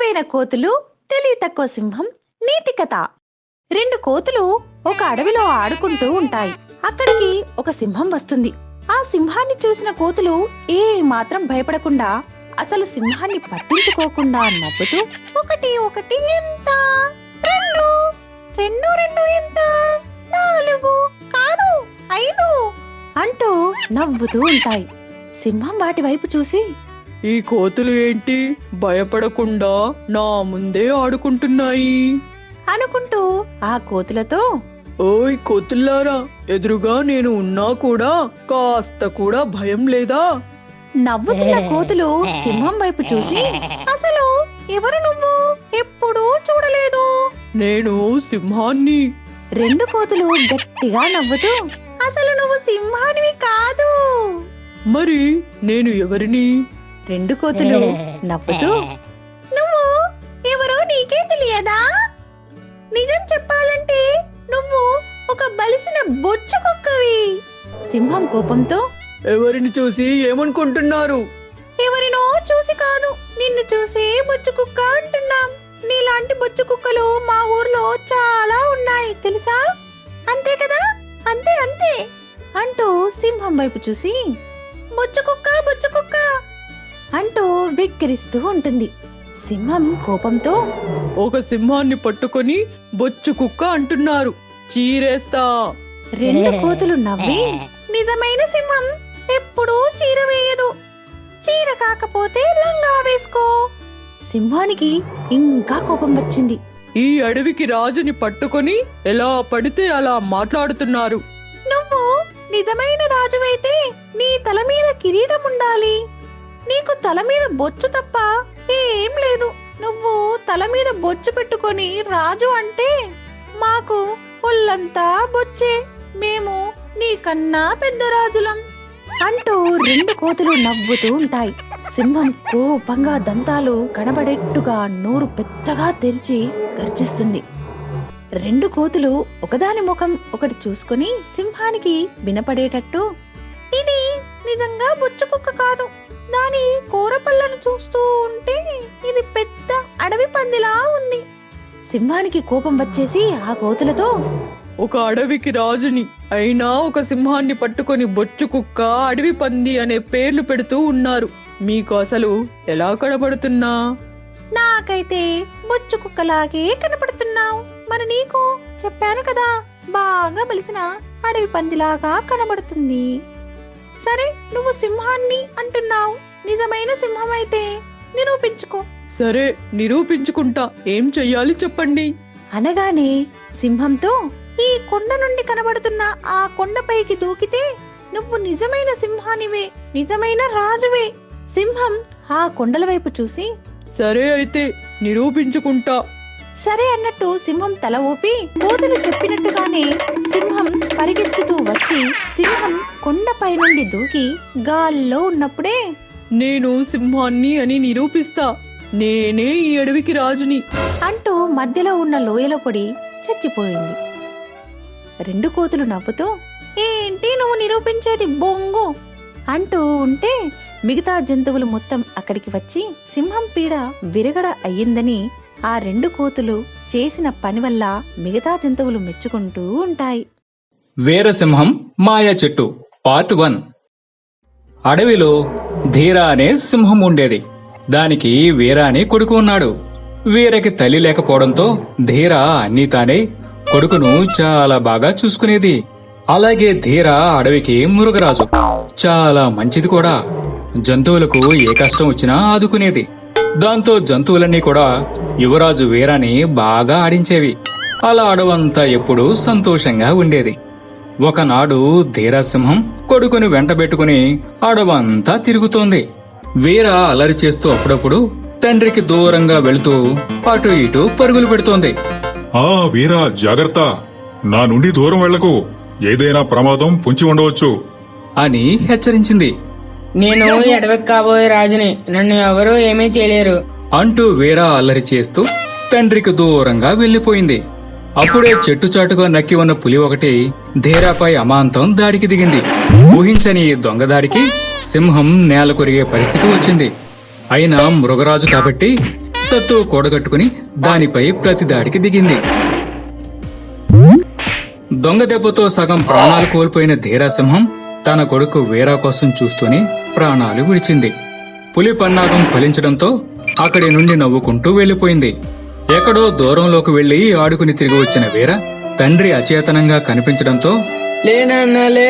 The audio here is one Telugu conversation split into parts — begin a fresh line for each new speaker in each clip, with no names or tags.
తెలివైన కోతులు, తెలివి తక్కువ సింహం నీతి కథ. 2 కోతులు ఒక అడవిలో ఆడుకుంటూ ఉంటాయి. అక్కడికి ఒక సింహం వస్తుంది. ఆ సింహాన్ని చూసిన కోతులు ఏ మాత్రం భయపడకుండా, అసలు సింహాన్ని పట్టించుకోకుండా నవ్వుతూ, 1 1 ఎంత, 2 2 2 ఎంత, 4 కాదు 5 అంటూ నవ్వుతూ ఉంటాయి. సింహం వాటి వైపు చూసి,
ఈ కోతులు ఏంటి భయపడకుండా నా ముందే ఆడుకుంటున్నాయి
అనుకుంటూ ఆ కోతులతో,
ఓయ్ కోతుల్లారా, ఎదురుగా నేను ఉన్నా కూడా కాస్త కూడా భయం లేదా?
నవ్వుతున్న కోతులు సింహం వైపు చూసి, అసలు ఎవరు నువ్వు? ఎప్పుడూ చూడలేదు.
నేను సింహాన్ని.
2 కోతులు గట్టిగా నవ్వుతూ, అసలు నువ్వు సింహానివి కాదు.
మరి నేను ఎవరిని?
2 కోతులు నవ్వుతూ, నువ్వు ఎవరో నీకే తెలియదా? నిజం చెప్పాలంటే నువ్వు ఒక బలిసిన బొచ్చు కుక్కవి. సింహం కోపంతో,
ఎవరిని చూసి ఏమనుకుంటున్నారు?
ఎవరినో చూసి కాదు, నిన్ను చూసే బొచ్చు కుక్క అంటున్నాం. నీలాంటి బొచ్చు కుక్కలు మా ఊర్లో చాలా ఉన్నాయి తెలుసా? అంతే కదా? అంతే అంతే అంటూ సింహం వైపు చూసి, బొచ్చు కుక్క అంటూ వెక్కిరిస్తూ ఉంటుంది. సింహం కోపంతో,
ఒక సింహాన్ని పట్టుకొని బొచ్చు కుక్క అంటున్నారు, చీరేస్తా.
2 కోతులు నవ్వి, నిజమైన సింహం ఎప్పుడూ చీర వేయదు. చీర కాకపోతే లంగా వేసుకో. సింహానికి ఇంకా కోపం వచ్చింది.
ఈ అడవికి రాజుని పట్టుకొని ఎలా పడితే అలా మాట్లాడుతున్నారు.
నువ్వు నిజమైన రాజువైతే నీ తల మీద కిరీటం ఉండాలి. నీకు తల మీద బొచ్చు తప్ప ఏం లేదు. నువ్వు తల మీద బొచ్చు పెట్టుకొని రాజు అంటే మాకు ఒళ్ళంతా బొచ్చే. మేము నీకన్నా పెద్ద రాజులం అంటూ 2 కోతులు నవ్వుతూ ఉంటాయి. సింహం కోపంగా దంతాలు కనబడేట్టుగా నోరు పెద్దగా తెరిచి గర్జిస్తుంది. 2 కోతులు ఒకదాని ముఖం ఒకటి చూసుకుని సింహానికి వినపడేటట్టు, ఇది నిజంగా బొచ్చు కుక్క కాదు. దాని కూరపళ్ళను చూస్తూ ఉంటే ఇది పెద్ద అడవి పందిలా ఉంది. సింహానికి కోపం వచ్చేసి ఆ కోతులతో,
ఒక అడవికి రాజుని అయినా ఒక సింహాన్ని పట్టుకొని బొచ్చు కుక్క, అడవి పంది అనే పేర్లు పెడుతూ ఉన్నారు. మీకు అసలు ఎలా కనబడుతున్నా?
నాకైతే బొచ్చు కుక్కలాగే కనపడుతున్నావు. మరి నీకు చెప్పాను కదా, బాగా బలిసిన అడవి పందిలాగా కనబడుతుంది. సరే, నువ్వు సింహాన్ని అంటున్నావు. నిజమైన సింహం అయితే నిరూపించుకో.
సరే, నిరూపించుకుంటా. ఏం చెయ్యాలి చెప్పండి
అనగానే సింహంతో, ఈ కొండ నుండి కనబడుతున్న ఆ కొండపైకి దూకితే నువ్వు నిజమైన సింహానివే, నిజమైన రాజువే. సింహం ఆ కొండల వైపు చూసి,
సరే అయితే నిరూపించుకుంటా.
సరే అన్నట్టు సింహం తల ఊపి, కోతులు చెప్పినట్టుగానే సింహం పరిగెత్తుతూ వచ్చి సింహం కొండపై నుండి దూకి గాల్లో ఉన్నప్పుడే,
నేను సింహాన్ని అని నిరూపిస్తా. నేనే ఈ అడవికి రాజుని
అంటూ మధ్యలో ఉన్న లోయలో పడి చచ్చిపోయింది. 2 కోతులు నవ్వుతూ, ఏంటి నువ్వు నిరూపించేది బొంగు అంటూ ఉంటే మిగతా జంతువులు మొత్తం అక్కడికి వచ్చి సింహం పీడ విరగడ అయ్యిందని ఆ 2 కోతులు చేసిన పని వల్ల మిగతా జంతువులు మెచ్చుకుంటూ ఉంటాయి.
వీరసింహం మాయా చెట్టు పార్ట్ 1. అడవిలో ధీర అనే సింహం ఉండేది. దానికి వీర అనే కొడుకు ఉన్నాడు. వీరకి తల్లి లేకపోవడంతో ధీర అన్నీ తానే కొడుకును చాలా బాగా చూసుకునేది. అలాగే ధీర అడవికి మృగరాజు. చాలా మంచిది కూడా. జంతువులకు ఏ కష్టం వచ్చినా ఆదుకునేది. దాంతో జంతువులన్నీ కూడా యువరాజు వీరాని బాగా ఆడించేవి. అలా అడవంతా ఎప్పుడూ సంతోషంగా ఉండేది. ఒకనాడు ధీరాసింహం కొడుకుని వెంటబెట్టుకుని అడవంతా తిరుగుతోంది. వీర అలరి చేస్తూ అప్పుడప్పుడు తండ్రికి దూరంగా వెళుతూ అటు ఇటు పరుగులు పెడుతోంది.
ఆ వీరా, జాగ్రత్త, నా నుండి దూరం వెళ్లకు. ఏదైనా ప్రమాదం పొంచి ఉండవచ్చు
అని హెచ్చరించింది.
నేను ఎడవకి కాబోయే రాజుని, నన్ను ఎవరూ ఏమీ చేయలేరు
అంటూ వీర అల్లరి చేస్తూ తండ్రికి దూరంగా వెళ్లిపోయింది. అప్పుడే చెట్టుచాటుగా నక్కి ఉన్న పులి ఒకటి ధీరాపై అమాంతం దాడికి దిగింది. ఊహించని దొంగదాడికి సింహం నేల కొరిగే పరిస్థితి వచ్చింది. అయినా మృగరాజు కాబట్టి సత్తు కూడగట్టుకుని దానిపై ప్రతిదాడికి దిగింది. దొంగ దెబ్బతో సగం ప్రాణాలు కోల్పోయిన ధీరాసింహం తన కొడుకు వీరా కోసం చూస్తూనే ప్రాణాలు విడిచింది. పులి పన్నాగం ఫలించడంతో అక్కడి నుండి నవ్వుకుంటూ వెళ్లిపోయింది. ఎక్కడో దూరంలోకి వెళ్లి ఆడుకుని తిరిగి వచ్చిన వీర తండ్రి అచేతనంగా కనిపించడంతో
లేనన్నాలే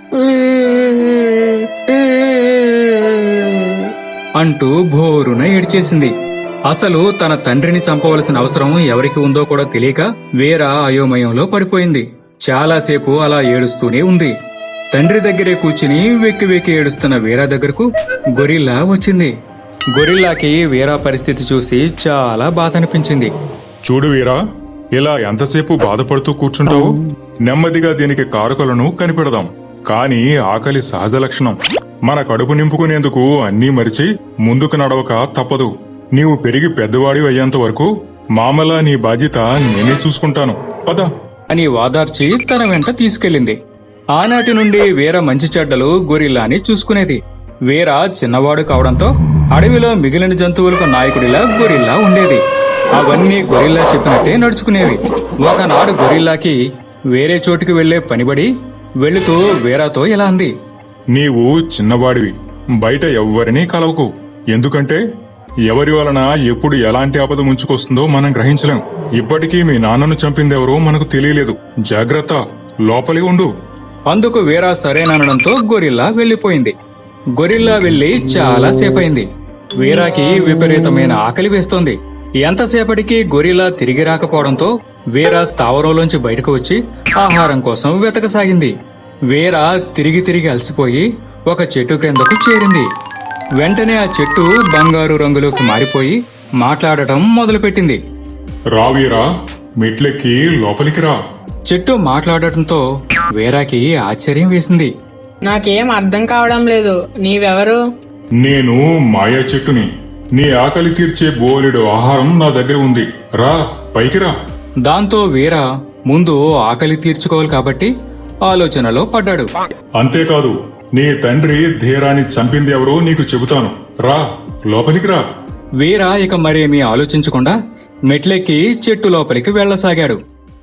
అంటూ భోరున ఏడ్చేసింది. అసలు తన తండ్రిని చంపవలసిన అవసరం ఎవరికి ఉందో కూడా తెలియక వీర అయోమయంలో పడిపోయింది. చాలాసేపు అలా ఏడుస్తూనే ఉంది. తండ్రి దగ్గరే కూర్చుని వెక్కి వెక్కి ఏడుస్తున్న వీరా దగ్గరకు గొరిల్లా వచ్చింది. గొరిల్లాకి వీరా పరిస్థితి చూసి చాలా బాధ అనిపించింది.
చూడు వీరా, ఇలా ఎంతసేపు బాధపడుతూ కూర్చుంటావు? నెమ్మదిగా దీనికి కారకులను కనిపెడదాం. కాని ఆకలి సహజ లక్షణం. మన కడుపు నింపుకునేందుకు అన్నీ మరిచి ముందుకు నడవక తప్పదు. నీవు పెరిగి పెద్దవాడి అయ్యేంత వరకు మామలా నీ బాధ్యత నేనే చూసుకుంటాను. పద
అని వాదార్చి తన వెంట తీసుకెళ్లింది. ఆనాటి నుండి వీర మంచి చెడ్డలు గొరిల్లాని చూసుకునేది. వీర చిన్నవాడు కావడంతో అడవిలో మిగిలిన జంతువులకు నాయకుడిలా గొరిల్లా ఉండేది. అవన్నీ గొరిల్లా చెప్పినట్టే నడుచుకునేవి. ఒకనాడు గొరిల్లాకి వేరే చోటుకి వెళ్లే పనిబడి వెళుతూ వీరాతో ఇలా అంది.
నీవు చిన్నవాడివి, బయట ఎవ్వరినీ కలవకు. ఎందుకంటే ఎవరి వలన ఎప్పుడు ఎలాంటి ఆపద ముంచుకొస్తుందో మనం గ్రహించలేం. ఇప్పటికీ మీ నాన్నను చంపిందెవరో మనకు తెలియలేదు. జాగ్రత్త, లోపలి ఉండు.
అందుకు వీరా సరేననడంతో గొరిల్లా వెళ్లిపోయింది. గొరిల్లా వెళ్లి చాలా సేపయింది. వీరాకి విపరీతమైన ఆకలి వేస్తోంది. ఎంతసేపటికి గొరిల్లా తిరిగి రాకపోవడంతో వీరా స్థావరంలోంచి బయటకు వచ్చి ఆహారం కోసం వెతకసాగింది. వీరా తిరిగి తిరిగి అలసిపోయి ఒక చెట్టు క్రిందకు చేరింది. వెంటనే ఆ చెట్టు బంగారు రంగులోకి మారిపోయి మాట్లాడటం మొదలుపెట్టింది.
రా వీరా, మెట్లెక్కి లోపలికి రా.
చెట్టు మాట్లాడటంతో వీరాకి ఆశ్చర్యం వేసింది.
నాకేం అర్థం కావడం లేదు. నీవెవరు?
నేను మాయా చెట్టుని. నీ ఆకలి తీర్చే బోలెడు ఆహారం నా దగ్గర ఉంది. రా, పైకి రా.
దాంతో వీర ముందు ఆకలి తీర్చుకోవాలి కాబట్టి ఆలోచనలో పడ్డాడు.
అంతేకాదు, నీ తండ్రి ధీరాన్ని చంపింది ఎవరో నీకు చెబుతాను. రా, లోపలికి రా.
వీర ఇక మరేమీ ఆలోచించకుండా మెట్లెక్కి చెట్టు లోపలికి వెళ్లసాగాడు.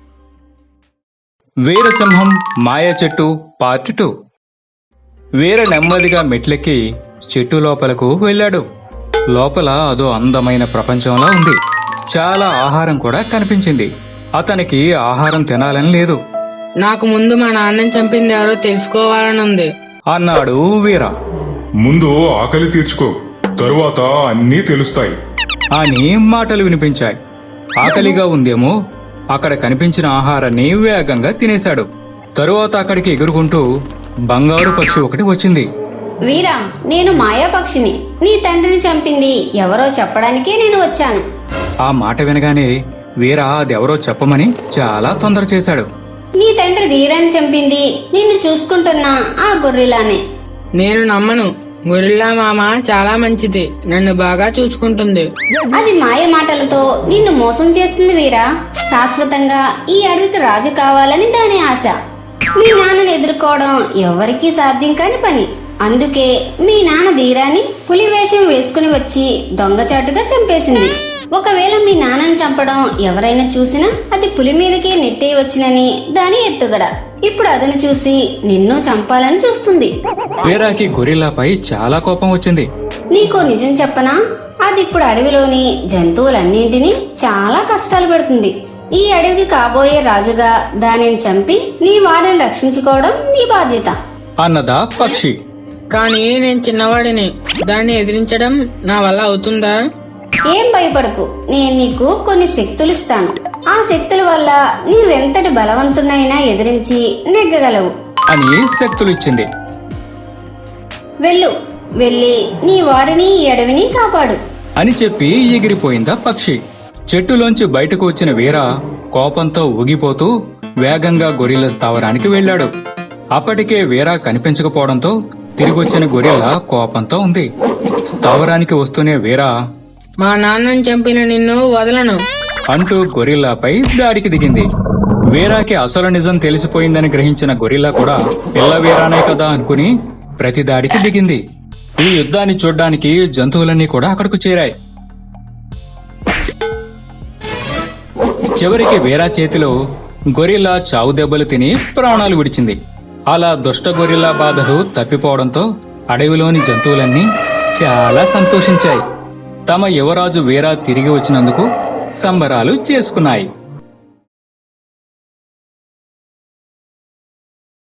వీరసింహం మాయా చెట్టు పార్ట్ 2. వీర నెమ్మదిగా మెట్లెక్కి చెట్టు లోపలకు వెళ్ళాడు. లోపల అదో అందమైన ప్రపంచంలా ఉంది. చాలా ఆహారం కూడా కనిపించింది. అతనికి ఆహారం తినాలని లేదు.
నాకు ముందు మా నాన్నని చంపింది ఎవరో తెలుసుకోవాలనుంది
అన్నాడు వీర.
ముందు ఆకలి తీర్చుకో, తరువాత అన్నీ తెలుస్తాయి
అని మాటలు వినిపించాయి. ఆకలిగా ఉందేమో అక్కడ కనిపించిన ఆహారాన్ని వేగంగా తినేశాడు. తరువాత అక్కడికి ఎగురుకుంటూ బంగారు పక్షి ఒకటి వచ్చింది.
వీరా, నేను మాయాపక్షిని. నీ తండ్రిని చంపింది ఎవరో చెప్పడానికే నేను వచ్చాను.
ఆ మాట వినగానే వీర అదెవరో చెప్పమని చాలా తొందర చేశాడు.
నీ తండ్రి ధీరాన్ని చంపింది నిన్ను చూసుకుంటున్న ఆ గొర్రెలానే.
నేను నమ్మను. గొరిల్లా మామ చాలా మంచిది. నన్ను బాగా చూసుకుంటుంది.
అది మాయ మాటలతో నిన్ను మోసం చేస్తుంది వీరా. శాశ్వతంగా ఈ అడవికి రాజు కావాలని దాని ఆశ. మీ నాన్నను ఎదుర్కోవడం ఎవరికీ సాధ్యం కాని పని. అందుకే మీ నాన్న ధీరాన్ని పులి వేషం వేసుకుని వచ్చి దొంగచాటుగా చంపేసింది. ఒకవేళ మీ నాన్నను చంపడం ఎవరైనా చూసినా అది పులి మీదకే నెట్టేయవచ్చునని దాని ఎత్తుగడ. ఇప్పుడు అదను చూసి నిన్ను చంపాలని చూస్తుంది.
వీరాకి గొరిల్లాపై చాలా కోపం వచ్చింది.
నీకో నిజం చెప్పనా? అది ఇప్పుడు అడవిలోని జంతువులన్నింటినీ చాలా కష్టాలు పెడుతుంది. ఈ అడవికి కాబోయే రాజుగా దానిని చంపి నీ వారిని రక్షించుకోవడం నీ బాధ్యత
అన్నదా పక్షి.
కానీ నేను చిన్నవాడిని. దాన్ని ఎదిరించడం నా వల్ల అవుతుందా?
ఏం భయపడకు. నేను నీకు కొన్ని శక్తులు ఇస్తాను. ఆ శక్తుల వల్ల నీవెంతటి బలవంతునైనా ఎదిరించి నెగ్గగలవు
అని శక్తులిచ్చింది.
వెళ్ళు, వెళ్ళి నీ వారిని ఈ అడవిని కాపాడు
అని చెప్పి ఎగిరిపోయిందా పక్షి. చెట్టులోంచి బయటకు వచ్చిన వీర కోపంతో ఊగిపోతూ వేగంగా గొరిల్లా స్థావరానికి వెళ్లాడు. అప్పటికే వీర కనిపించకపోవడంతో తిరిగొచ్చిన గొరిల్లా కోపంతో ఉంది. స్థావరానికి వస్తూనే వీర
మా నాన్నని చంపిన నిన్ను వదలను
అంటూ గొరిల్లాపై దాడికి దిగింది. వీరాకి అసలు నిజం తెలిసిపోయిందని గ్రహించిన గొరిల్లా కూడా పిల్ల వీరానే కదా అనుకుని ప్రతి దాడికి దిగింది. ఈ యుద్ధాన్ని చూడ్డానికి జంతువులన్నీ కూడా అక్కడకు చేరాయి. చివరికి వీరా చేతిలో గొరిల్లా చావు దెబ్బలు తిని ప్రాణాలు విడిచింది. అలా దుష్ట గొరిల్లా బాధలు తప్పిపోవడంతో అడవిలోని జంతువులన్నీ చాలా సంతోషించాయి. తమ యువరాజు వీరా తిరిగి వచ్చినందుకు సంబరాలు చేసుకున్నాయి.